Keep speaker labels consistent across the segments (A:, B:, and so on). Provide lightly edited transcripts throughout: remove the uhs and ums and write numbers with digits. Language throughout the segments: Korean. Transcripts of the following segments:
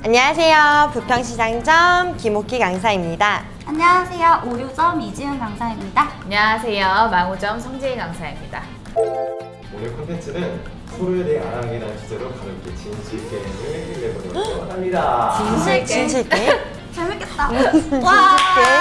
A: 안녕하세요. 부평시장점 김옥희 강사입니다.
B: 안녕하세요. 오류점 이지은 강사입니다.
C: 안녕하세요. 망우점 성재희 강사입니다.
D: 오늘 콘텐츠는 서로에 대해 알아가게 된 주제로 가볍게 진실 게임을 해보려고 합니다.
B: 진실 게임?
A: 진실 게임?
B: 재밌겠다.
A: 와.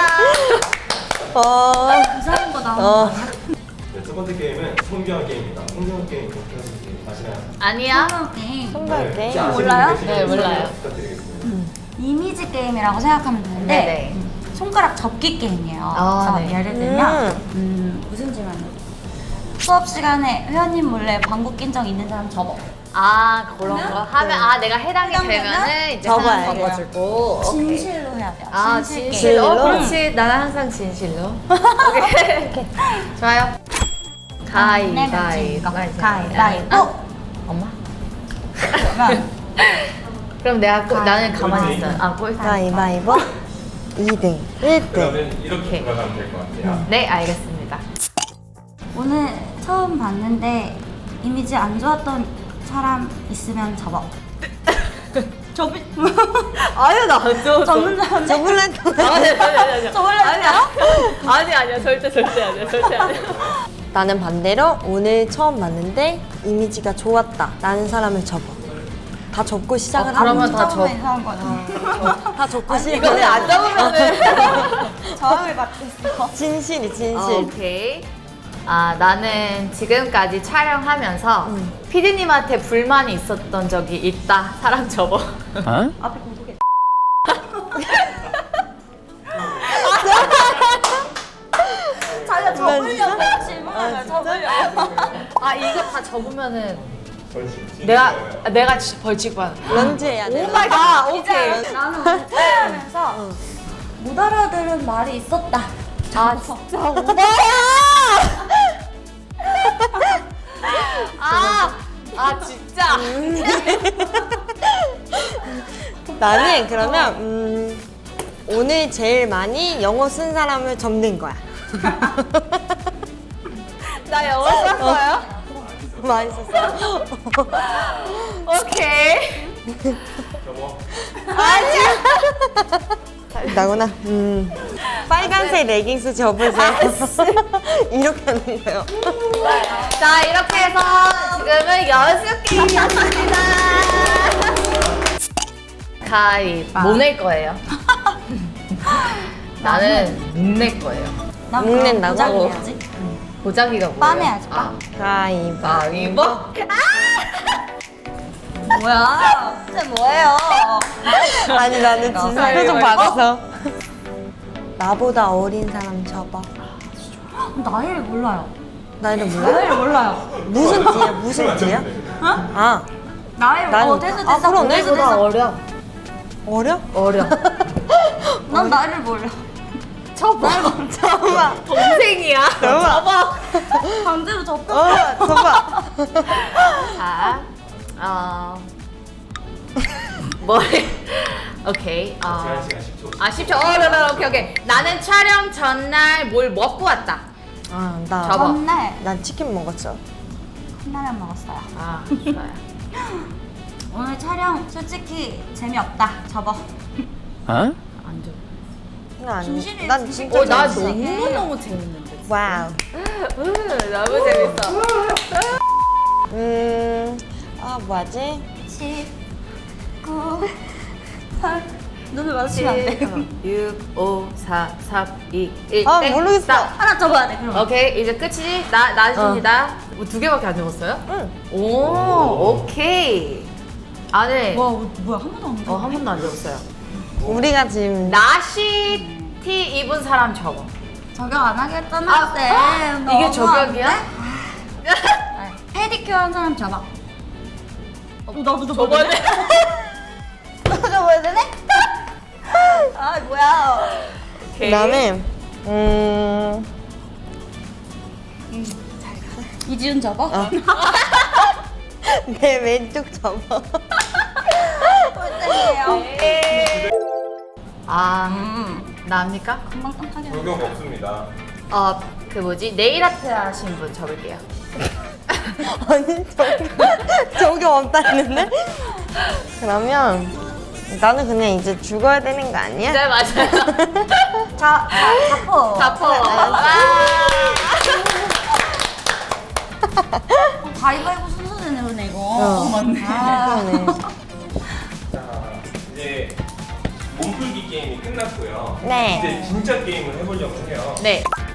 B: 이상한 거 나오는
D: 네, 첫 번째 게임은 성경 게임입니다. 성경 게임 어떻게 하실지 아시나요?
C: 아니야.
B: 거 게임.
A: 손발 게임?
D: 혹시 아시는
B: 몰라요?
D: 분 계시면
C: 네, 몰라요.
D: 설명 부탁드리겠습니다.
B: 이미지 게임이라고 생각하면 되는데
C: 네네.
B: 손가락 접기 게임이에요.
C: 아,
B: 그래서
C: 네.
B: 예를 들면 무슨 질문이요? 수업 시간에 회원님 몰래 방구 낀 적 있는 사람 접어.
C: 아 그런 거 하면 내가 해당이 되면은 이제
A: 접어야
C: 하나
A: 돼.
C: 접어주고.
B: 진실로 해야 돼요.
C: 아
B: 진실
C: 진실.
B: 게임.
C: 그렇지. 나는 항상 진실로. 오케이. 좋아요. 가위바위보.
B: 가위바위보.
C: 엄마?
B: 그러면
C: 그럼 나는 가만히 있어. 꼴등.
A: 가위바위보 2등, 1등.
D: 그러면 이렇게 돌아가면 될 것 같아요.
C: 네 알겠습니다.
B: 오늘 처음 봤는데 이미지 안 좋았던 사람 있으면 접어. 접이
C: 아유 나안 줘.
B: 접는 사람
A: 저블란
C: 아니.
B: 접을래요?
C: 아니야 절대 아니야.
A: 나는 반대로 오늘 처음 봤는데 이미지가 좋았다 라는 사람을 접어. 다 접고 시작을
C: 그러면
A: 하고
C: 다 접.
B: 이상한 거죠.
A: 다 접고
C: 이거는
A: 시작을
C: 안 잡으면은.
B: 저항을 받고 있어.
A: 진실이 진실.
C: 오케이. 나는 지금까지 촬영하면서 피디님한테 불만이 있었던 적이 있다. 사람 접어.
B: 앞에 고독해. 자기가 접으려고 질문하면 접으려고.
C: 이거 다 접으면은
D: 벌칙.
C: 내가 벌칙 받아.
A: 런지 해야 돼.
C: 오 마이 갓. 오케이.
B: 나는 오늘 촬영하면서 못 알아들은 말이 있었다.
C: 진짜 오바야. 진짜.
A: 나는 그러면 오늘 제일 많이 영어 쓴 사람을 접는 거야.
C: 나 영어 썼어요?
A: 많이 썼어.
C: 오케이.
D: 저거
A: 나구나. 빨간색 레깅스 접으세요. 이렇게 하는 거예요.
C: 자 이렇게 해서 지금은 연습 게임이었습니다. 못 낼 거예요. 나는 못 낼 거예요.
B: 난
A: 목 낸다고?
B: 보자기 해야지.
C: 보자기가 뭐예요?
B: 빰 해야지, 빰.
A: 가위바위보.
B: 뭐야? 진짜 뭐예요?
A: 아니 나는 진짜 표정 받아서. 나보다 어린 사람 접어.
B: 나이를 몰라요.
A: 나이를 몰라?
B: 나이를 몰라요.
A: 무슨 띠야? 무슨 띠야? 아
B: 나이를
A: 난-
B: 됐어.
A: 그러네.
C: 나보다 어려.
A: 어려?
B: 난 나이를 몰라.
A: 잠깐만.
C: 동생이야.
A: 접어.
B: 강제로 접어.
A: 접어.
C: 자, 머리. 오케이.
D: 제한 시간 10초.
C: 10초. 오케이. 나는 촬영 전날 뭘 먹고 왔다.
A: 나
C: 접어.
B: 전날
A: 난 치킨 먹었어.
B: 컵라면 먹었어요.
C: 좋아요.
B: 오늘 촬영 솔직히 재미없다. 접어.
C: 안 줘.
B: 진실이에요,
A: 난
B: 진실.
A: 진짜
C: 나
A: 재밌어.
C: 너무 재밌는데.
A: 와우.
C: 너무 재밌어.
A: 뭐하지?
B: 10, 9, 8. 눈을 마주치면 안 돼.
C: 6, 5, 4, 3, 2, 1.
A: 모르겠어.
B: 하나 접어야 돼. 그럼.
C: 오케이, 이제 끝이지? 나십니다. 두 개밖에 안 적었어요?
A: 응.
C: 오, 오케이. 안에
B: 와, 뭐야? 한 번도 안 접어.
C: 한 번도 안 적었어요.
A: 우리가 지금
C: 나시 티 입은 사람 적어.
B: 저격 안 하겠잖아, 쌤.
C: 이게
B: 너무
C: 저격이야?
B: 안 돼? 페디큐어 한 사람 접어. 나도
C: 저번에
B: 나도 접어야 되네? 뭐야.
A: 그다음에
B: 이지훈 접어?
A: 내 왼쪽 접어.
B: 꼴등이에요.
C: 나입니까?
B: 금방 깜짝이야.
D: 적용 없습니다.
C: 네일 아트 하신 분 적을게요.
A: 아니 저기 없다 했는데. 그러면 나는 그냥 이제 죽어야 되는 거 아니야?
C: 네, 맞아요.
B: 자포.
C: 자포.
B: 가위바위보 순서대네 그러네 이거.
A: 맞네. 그러네.
D: 자, 이제 몸풀기 게임이 끝났고요.
A: 네.
D: 이제 진짜 게임을 해보려고 해요.
C: 네.